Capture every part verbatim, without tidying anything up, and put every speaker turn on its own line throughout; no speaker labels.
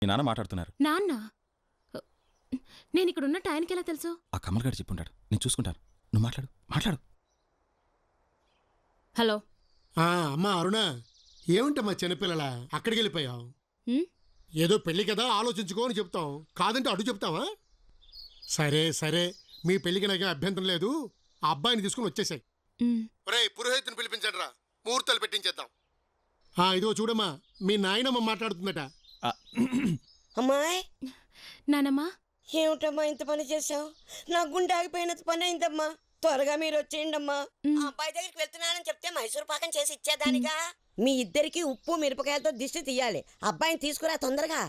మీ నాన్న మాట్లాడుతున్నారు.
నాన్న? నేను ఇక్కడ ఉన్నట్టు ఆయనకి ఎలా తెలుసు?
ఆ కమల్ గారు చెప్పుంటాడు, నేను చూసుకుంటాను. నువ్వు మాట్లాడు మాట్లాడు.
హలో.
అమ్మా అరుణ, ఏమిటమ్మా చిన్నపిల్లల అక్కడికి వెళ్ళిపోయావు? ఏదో పెళ్లి కదా ఆలోచించుకో అని చెప్తాం, కాదంటే అడు చెప్తావా? సరే సరే, మీ పెళ్లికి నాకే అభ్యంతరం లేదు. ఆ అబ్బాయిని తీసుకుని వచ్చేసాయి. ఒరేయ్, పురోహితుని పిలిపించండి రా, ముహూర్తాలు పెట్టించేద్దాం. ఇదిగో చూడమ్మా, మీ నాయనమ్మ మాట్లాడుతుందట.
అమ్మాయి.
నానమ్మా.
ఏమిటమ్మా ఇంత పని చేసావు? నా గుండె ఆగిపోయినంత పని అయిందమ్మా. త్వరగా మీరు వచ్చేయండి అమ్మా. ఆ అబ్బాయి దగ్గరికి వెళ్తున్నానని చెప్తే మైసూర్ పాకం చేసి ఇచ్చేదానిగా. మీ ఇద్దరికి ఉప్పు మిరపకాయలతో దిష్టి తీయాలి. అబ్బాయిని తీసుకురా తొందరగా.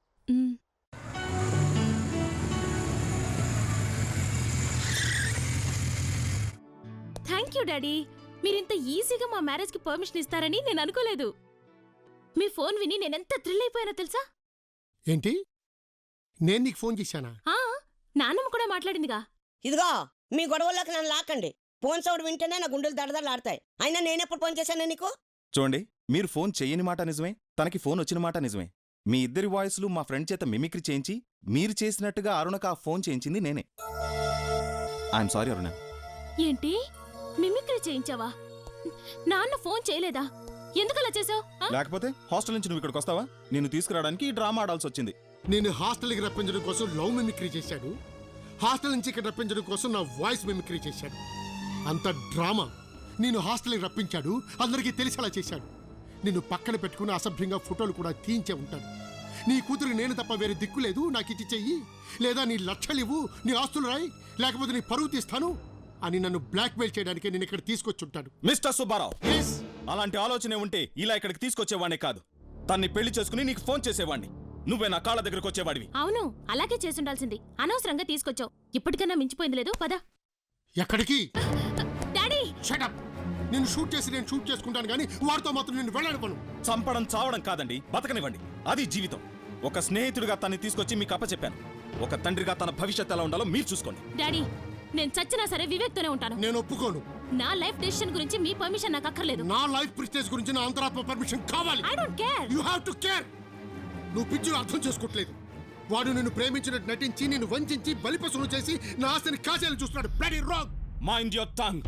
Thank you daddy. మీరింత ఈజీగా మా మ్యారేజ్ కి పర్మిషన్ ఇస్తారని నేను అనుకోలేదు. మీ ఫోన్ విని నేనెంత థ్రిల్ అయిపోయానో తెలుసా?
ఏంటి, నేను నీకు ఫోన్ చేశానా?
నాన్నమ్మ కూడా మాట్లాడిందిగా.
ఇదిగో, మీ గొడవల్లోకి నన్ను లాక్కండి. ఫోన్ సౌండ్ వింటేనే నా గుండెలు దడదడలాడతాయి. అయినా నేనెప్పుడు ఫోన్ చేశాను నీకు?
చూడండి, మీరు ఫోన్ చెయ్యని మాట నిజమే, తనకి ఫోన్ వచ్చిన మాట నిజమే. మీ ఇద్దరి వాయిస్లు మా ఫ్రెండ్ చేత మిమిక్రీ చేయించి మీరు చేసినట్టుగా అరుణకు ఆ ఫోన్ చేయించింది నేనే. I'm sorry Aruna.
ఏంటి, మిమిక్రీ చేయించావా? నాన్న ఫోన్ చేయలేదా? ఎందుకలా చేసావు?
లేకపోతే హాస్టల్ నుంచి నువ్వు ఇక్కడికి వస్తావా? నిన్ను తీసుకురావడానికి ఈ డ్రామా ఆడాల్సి వచ్చింది.
నేను హాస్టల్కి రప్పించడం కోసం లవ్ మిమిక్రీ చేశాడు, హాస్టల్ నుంచి ఇక్కడ రప్పించడం కోసం నా వాయిస్ మిమిక్రీ చేశాడు. అంత డ్రామా. నేను హాస్టల్కి రప్పించాడు, అందరికీ తెలిసేలా చేశాడు. నిన్ను పక్కన పెట్టుకుని అసభ్యంగా ఫోటోలు కూడా తీయించే ఉంటాడు. నీ కూతురు నేను తప్ప వేరే దిక్కు లేదు, నాకు ఇచ్చి చెయ్యి, లేదా నీ లక్షలు ఇవ్వు, నీ ఆస్తులు రాయి, లేకపోతే నీ పరువు తీస్తాను అని నన్ను బ్లాక్మెయిల్ చేయడానికి నేను ఇక్కడ తీసుకొచ్చి ఉంటాడు.
మిస్టర్ సుబ్బారావు, అలాంటి ఆలోచనే ఉంటే ఇలా ఇక్కడికి తీసుకొచ్చేవాడిని కాదు, తన్ని పెళ్లి చేసుకుని నీకు ఫోన్ చేసేవాడిని. నువ్వే నా కాళ్ళ దగ్గరకు వచ్చేవాడివి.
అవును, అలాగే చేసుండాల్సింది. అనవసరంగా తీసుకొచ్చావు. ఇప్పటికన్నా మించిపోయింది లేదు. పద.
ఎక్కడికి?
Daddy
shut up. నేను షూట్ చేసి నేను షూట్ చేసుకుంటాను కానీ వాడితో మాత్రం నేను వెళ్ళాను.
చంపడం చావడం కాదండి, బతకనివ్వండి, అది జీవితం. ఒక స్నేహితుడిగా తన్ని తీసుకొచ్చి మీకు అప్పచెప్పాను. ఒక తండ్రిగా తన భవిష్యత్తు ఎలా ఉండాలో మీరు చూసుకోండి.
డాడీ, నేను చచ్చినా సరే వివేక్ తోనే ఉంటాను.
నేను ఒప్పుకోను.
నా లైఫ్ డెసిషన్ గురించి మీ పర్మిషన్ నాకు అక్కర్లేదు.
నా లైఫ్ ప్రెస్టేజ్ గురించి నా అంతరాత్మ పర్మిషన్ కావాలి.
I don't care.
You have to care. నువ్వు పిచ్చును అర్థం చేసుకోవట్లేదు. వాడు నిన్ను ప్రేమించినట్టు నటించి నిన్ను వంచి బలిపశువును చేసి నా ఆస్తిని కాజేయాలని చూస్తున్నాడు. Bloody wrong.
Mind your tongue.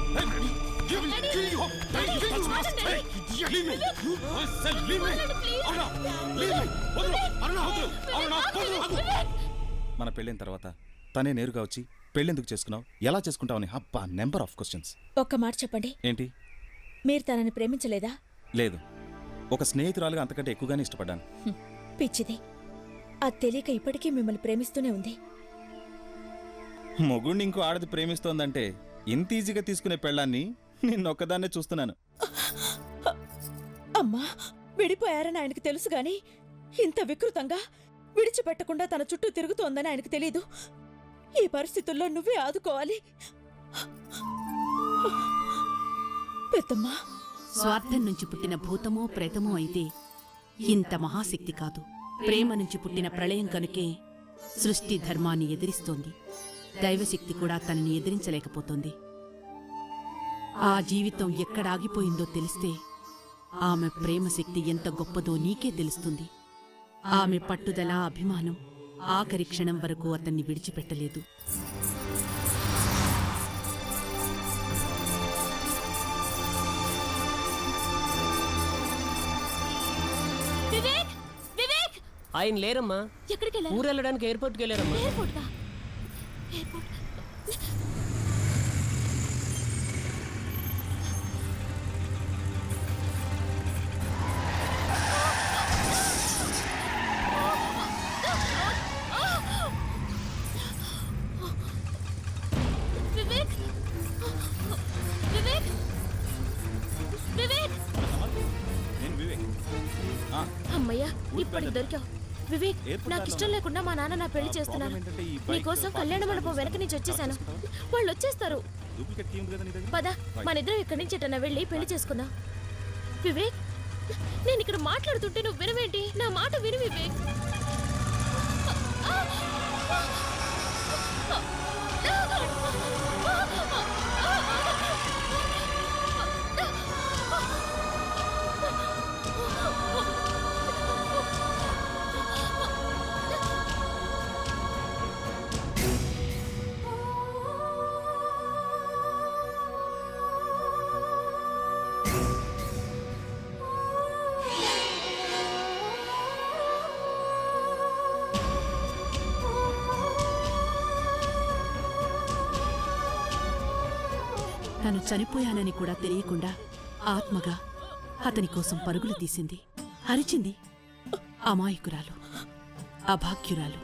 మన పెళ్ళైన తర్వాత తనే నేరుగా వచ్చి పెళ్ళెందుకు చేసుకున్నావు, ఎలా చేసుకుంటావని అబ్బా నెంబర్ ఆఫ్ క్వశ్చన్స్.
ఒక్క మాట చెప్పండి.
ఏంటి?
మీరు తనని ప్రేమించలేదా?
లేదు, ఒక స్నేహితురాలుగా అంతకంటే ఎక్కువగానే ఇష్టపడ్డాను.
పిచ్చిది, అది తెలియక ఇప్పటికీ మిమ్మల్ని ప్రేమిస్తూనే ఉంది.
మొగుడిని ఇంకో ఆడది ప్రేమిస్తోందంటే ఇంత ఈజీగా తీసుకునే పెళ్ళాన్ని నిన్నొక్కదాన్నే చూస్తున్నాను.
అమ్మా, విడిపోయారని ఆయనకు తెలుసు గాని ఇంత వికృతంగా విడిచిపెట్టకుండా తన చుట్టూ తిరుగుతోందని ఆయనకు తెలీదు. ఈ పరిస్థితుల్లో నువ్వే ఆదుకోవాలి. పెద్దమ్మా,
స్వార్థం నుంచి పుట్టిన భూతమో ప్రేతమో అయితే ఇంత మహాశక్తి కాదు. ప్రేమ నుంచి పుట్టిన ప్రళయం కనుకే సృష్టి ధర్మాన్ని ఎదిరిస్తోంది. దైవశక్తి కూడా తనని ఎదిరించలేకపోతోంది. ఆ జీవితం ఎక్కడాగిపోయిందో తెలిస్తే ఆమె ప్రేమశక్తి ఎంత గొప్పదో నీకే తెలుస్తుంది. ఆమె పట్టుదల, అభిమానం ఆఖరి క్షణం వరకు అతన్ని విడిచిపెట్టలేదు.
వివేక్, వివేక్.
ఆయన లేరమ్మా.
ఎక్కడికి వెళ్ళారు?
ఊరు వెళ్ళడానికి ఎయిర్పోర్ట్కి వెళ్ళారమ్మా.
ఎయిర్పోర్ట్ కా? ఎయిర్పోర్ట్. వివేక్, వివేక్, వివేక్.
నేను వివేక్.
అమ్మయ్యా, ఇప్పటికి దొరికావు. వివేక్, నాకు ఇష్టం లేకుండా మా నాన్న నా పెళ్లి చేస్తున్నారు. నీకోసం కళ్యాణ మండపం వెనక నుంచి వచ్చేసాను. వాళ్ళు వచ్చేస్తారు. పద, మన ఇద్దరం ఇక్కడి నుంచి ఎటన్నా వెళ్ళి పెళ్లి చేసుకుందాం. వివేక్, నేను ఇక్కడ మాట్లాడుతుంటే నువ్వు వినవేంటి? నా మాట విను వివేక్.
తను చనిపోయానని కూడా తెలియకుండా ఆత్మగా అతని కోసం పరుగులు తీసింది, అరిచింది. అమాయకురాలు, అభాగ్యురాలు.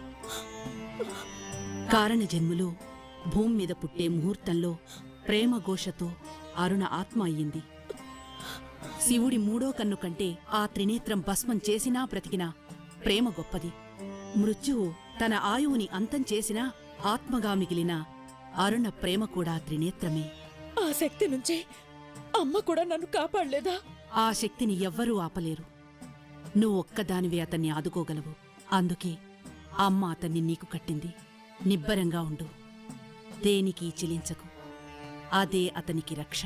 కారణజన్ములో భూమి మీద పుట్టే ముహూర్తంలో ప్రేమఘోషతో అరుణ ఆత్మ అయ్యింది. శివుడి మూడో కన్ను కంటే ఆ త్రినేత్రం భస్మం చేసినా బ్రతికినా ప్రేమ గొప్పది. మృత్యువు తన ఆయువుని అంతం చేసినా ఆత్మగా మిగిలిన అరుణ ప్రేమ కూడా త్రినేత్రమే.
ఆ శక్తి నుంచి అమ్మ కూడా నన్ను కాపాడలేదా?
ఆ శక్తిని ఎవ్వరూ ఆపలేరు. నువ్వు ఒక్కదానివే అతన్ని ఆదుకోగలవు. అందుకే అమ్మ అతన్ని నీకు కట్టింది. నిబ్బరంగా ఉండు, దేనికి చెలించకు. అదే అతనికి రక్ష.